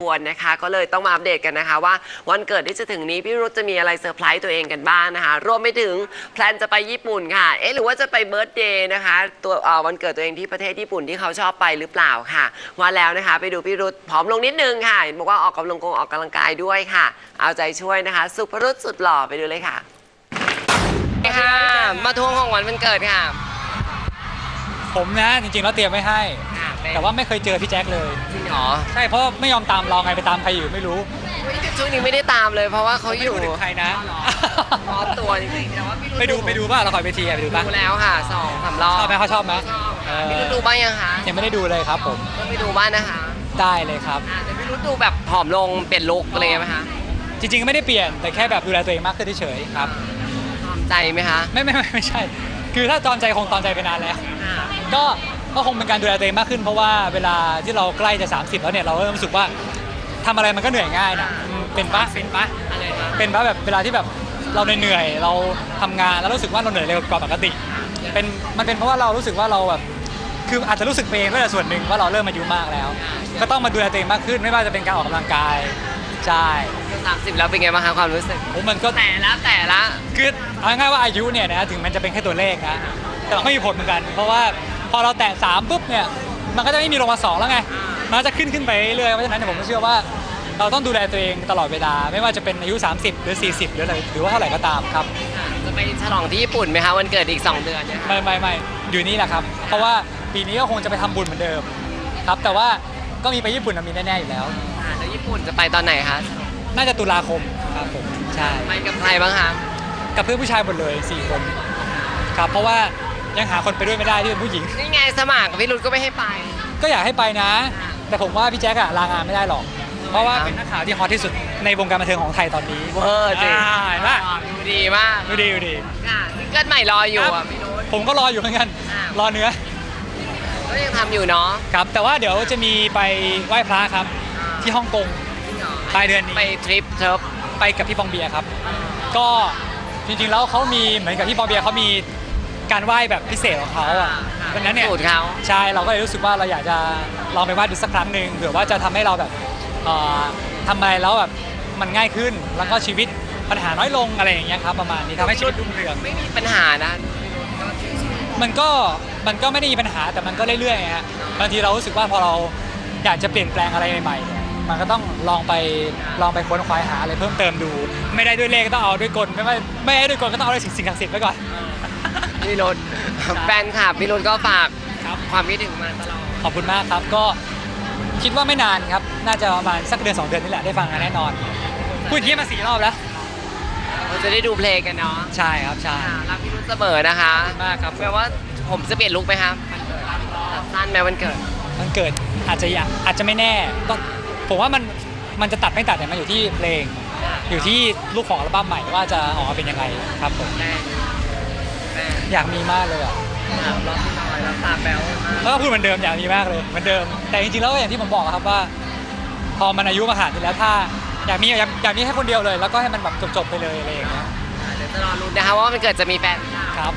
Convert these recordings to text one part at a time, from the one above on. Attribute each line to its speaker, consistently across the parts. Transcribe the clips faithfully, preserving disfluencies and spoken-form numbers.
Speaker 1: ควรนะคะก็เลยต้องมาอัปเดตกันนะคะว่าวันเกิดที่จะถึงนี้พี่รุธจะมีอะไรเซอร์ไพรส์ตัวเองกันบ้างนะคะรวมไปถึงแพลนจะไปญี่ปุ่นค่ะเอ๊ะหรือว่าจะไปเบิร์ธเดย์นะคะตัววันเกิดตัวเองที่ประเทศญี่ปุ่นที่เขาชอบไปหรือเปล่าค่ะว่าแล้วนะคะไปดูพี่รุธผอมลงนิดนึงค่ะบอกว่าออกกำลังกงออกกำลังกายด้วยค่ะเอาใจช่วยนะคะสุภรุธสุดหล่อไปดูเลยค่ะค่ะมาทวงของวันวันเกิดค่ะ
Speaker 2: ผมนะจริงๆแล้วเตรียมไม่ให้แต่ว่าไม่เคยเจอพี่แจ็คเลย
Speaker 1: จริงเหรอ
Speaker 2: ใช่เพราะไม่ยอมตามเราไงไปตามใครอยู่ไม่รู้
Speaker 1: ช่วงนี้ไม่ได้ตามเลยเพราะว่าเขาอยู่
Speaker 2: ไม่รู้ใครนะ
Speaker 1: พอตัวจริงๆแต่ว่า
Speaker 2: ไปดูไปดูป่ะเราคอยไปทีไปดูป่ะ
Speaker 1: ดูแล้วค่ะสองสามรอบ
Speaker 2: ชอบไหมเขาชอบไหม
Speaker 1: พี่รุธดูบ้างยังคะ
Speaker 2: ยังไม่ได้ดูเลยครับผม
Speaker 1: ก็ไปดูบ้างนะคะ
Speaker 2: ได้เลยครับ
Speaker 1: แต่พี่รุธดูแบบผอมลงเปลี่ยนลุคเลยไหมคะ
Speaker 2: จริงๆไม่ได้เปลี่ยนแต่แค่แบบดูแลตัวเองมากขึ้นเฉยๆครับ
Speaker 1: ตอมใจไหมคะ
Speaker 2: ไม่ไม่ไม่ใช่คือถ้าตอมใจคงตอมใจไปนานแล้วก็ก็คงเป็นการดูแลตัวเองมากขึ้นเพราะว่าเวลาที่เราใกล้จะสามสิบแล้วเนี่ยเราเริ่มรู้สึกว่าทำอะไรมันก็เหนื่อยง่ายนะเป็นปะเป็นปะเป็นปะแบบเวลาที่แบบเราเหนื่อยเราทำงานแล้วรู้สึกว่าเราเหนื่อยเร็วกว่าปกติเป็นมันเป็นเพราะว่าเรารู้สึกว่าเราแบบคืออาจจะรู้สึกเองด้วยส่วนหนึ่งว่าเราเริ่มอายุมากแล้วก็ต้องมาดูแลตัวเองมากขึ้นไม่ว่าจะเป็นการออกกำลังกายใช่
Speaker 1: สามสิบแล้วเป็นไงบ้างคะความรู้สึก
Speaker 2: โอ้มันก็
Speaker 1: แต่ละแต่ละ
Speaker 2: คือเอาง่ายๆว่าอายุเนี่ยนะถึงมันจะเป็นแค่ตัวเลขนะแต่มันก็มีผลเหมือนกันเพราะว่าพอเราแตะสามปุ๊บเนี่ยมันก็จะไม่มีลงมาสองแล้วไงมันจะขึ้นขึ้นไปเรื่อยเพราะฉะนั้นผมก็เชื่อว่าเราต้องดูแลตัวเองตลอดเวลาไม่ว่าจะเป็นอายุสามสิบหรือสี่สิบหรืออะไรหรือว่าเท่าไหร่ก็ตามครับ
Speaker 1: จะไปฉลองที่ญี่ปุ่นไหมคะวันเกิดอีกสองเดือนเนี่ย
Speaker 2: ไม่ไม่ไม่อยู่นี่แหละครับเพราะว่าปีนี้ก็คงจะไปทำบุญเหมือนเดิมครับแต่ว่าก็มีไปญี่ปุ่นมีแน่ๆอยู่แล้ว
Speaker 1: แล้วญี่ปุ่นจะไปตอนไหนคะ
Speaker 2: น่าจะตุลาคมครับผมใช่
Speaker 1: ไปกับใครบ้างคะ
Speaker 2: กับเพื่อนผู้ชายหมดเลยสี่คนครับเพราะว่ายังหาคนไปด้วยไม่ได้ที่เป็นผู้หญิง
Speaker 1: นี่ไงสมัครพี่รุธก็ไม่ให้ไป
Speaker 2: ก็อยากให้ไปนะแต่ผมว่าพี่แจ๊คอะลางานไม่ได้หรอกเพราะว่าเป็นนักข่าวที่ฮอตที่สุดในวงการบันเทิงของไทยตอนนี้
Speaker 1: เออจริงดูดีมาก
Speaker 2: ดูดีดูดี
Speaker 1: ค่ะซิงเกิลใหม่รออยู่อ่ะพี่รุธ
Speaker 2: ผมก็รออยู่เหมือนกันรอเนื้อ
Speaker 1: ก็ยังทำอยู่เนาะ
Speaker 2: ครับแต่ว่าเดี๋ยวจะมีไปไหว้พระครับที่ฮ่องกงปลายเดือนนี้
Speaker 1: ไปทริปเทิร์ฟ
Speaker 2: ไปกับพี่ปองเบียร์ครับก็จริงๆแล้วเขามีเหมือนกับพี่ปองเบียร์เขามีการไหว้แบบพิเศษของเขาอ่ะเพราะนั้นเนี่ยใช่เราก็เลยรู้สึกว่าเราอยากจะลองไปไหว้ดูสักครั้งหนึ่งเผื่อว่าจะทำให้เราแบบทำอะไรแล้วแบบมันง่ายขึ้นแล้วก็ชีวิตปัญหาน้อยลงอะไรอย่างเงี้ยครับประมาณนี้ทำให้ชีวิตรุ่งเรือง
Speaker 1: ไม่มีปัญหานะ
Speaker 2: มันก็มันก็ไม่ได้มีปัญหาแต่มันก็เรื่อยๆฮะบางทีเรารู้สึกว่าพอเราอยากจะเปลี่ยนแปลงอะไรใหม่ๆมันก็ต้องลองไปลองไปค้นคว้าหาอะไรเพิ่มเติมดูไม่ได้ด้วยเลขก็ต้องเอาด้วยกลไม่ไม่ไม่ได้ด้วยกลก็ต้องเอาด้วยสิ่งศักดิ์สิทธิ์ไว้ก่อน
Speaker 1: พี่รุธแฟนคลับพี่รุธก็ฝากความคิดถึงมาตลอด
Speaker 2: ขอบคุณมากครับก็คิดว่าไม่นานครับน่าจะประมาณสักเดือนสองเดือนนี่แหละได้ฟังกันแน่นอนพูดอย่างนี้มาสี่รอบแล้ว
Speaker 1: เราจะได้ดูเพลงกันเนาะ
Speaker 2: ใช่ครับใช่
Speaker 1: รักพี่รุธเสมอนะคะ
Speaker 2: มากครับ
Speaker 1: แปลว่าผมจะเปลี่ยนลุคไหมครับสั้นไหมวันเกิด
Speaker 2: วันเกิดอาจจะอาจจะไม่แน่ต้องผมว่ามันมันจะตัดไม่ตัดเนี่ยมันอยู่ที่เพลงอยู่ที่ลูกของอัลบั้มใหม่ว่าจะออกมาเป็นยังไงครับผมอยากมีมากเลยอ่ะ
Speaker 1: ร้องหน่อยแล้วตาแบ๊ว
Speaker 2: แล้วก็พูดเหมือนเดิมอยากมีมากเลยเหมือนเดิมแต่จริงๆแล้วอย่างที่ผมบอกครับว่าพอมันอายุมาขนาดนี้แล้วถ้าอยากมีอยากอยากมีแค่คนเดียวเลยแล้วก็ให้มันแบบจบๆไปเลยอะไรอย่างเงี้ย
Speaker 1: เดี๋ยวจะรอรุ้นนะคะว่ามันเกิดจะมีแฟน
Speaker 2: ครับ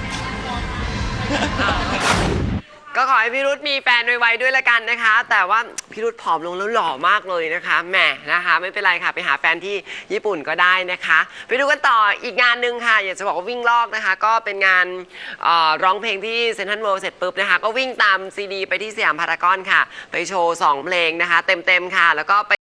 Speaker 1: ก็ขอให้พี่รุธมีแฟนไวๆด้วยละกันนะคะแต่ว่าพี่รุธผอมลงแล้วหล่อมากเลยนะคะแหมนะคะไม่เป็นไรค่ะไปหาแฟนที่ญี่ปุ่นก็ได้นะคะไปดูกันต่ออีกงานหนึ่งค่ะอยากจะบอกว่าวิ่งลอกนะคะก็เป็นงานร้องเพลงที่เซ็นทรัลเวิลด์เสร็จปุ๊บนะคะก็วิ่งตามซีดีไปที่สยามพารากอนค่ะไปโชว์สองเพลงนะคะเต็มๆค่ะแล้วก็ไป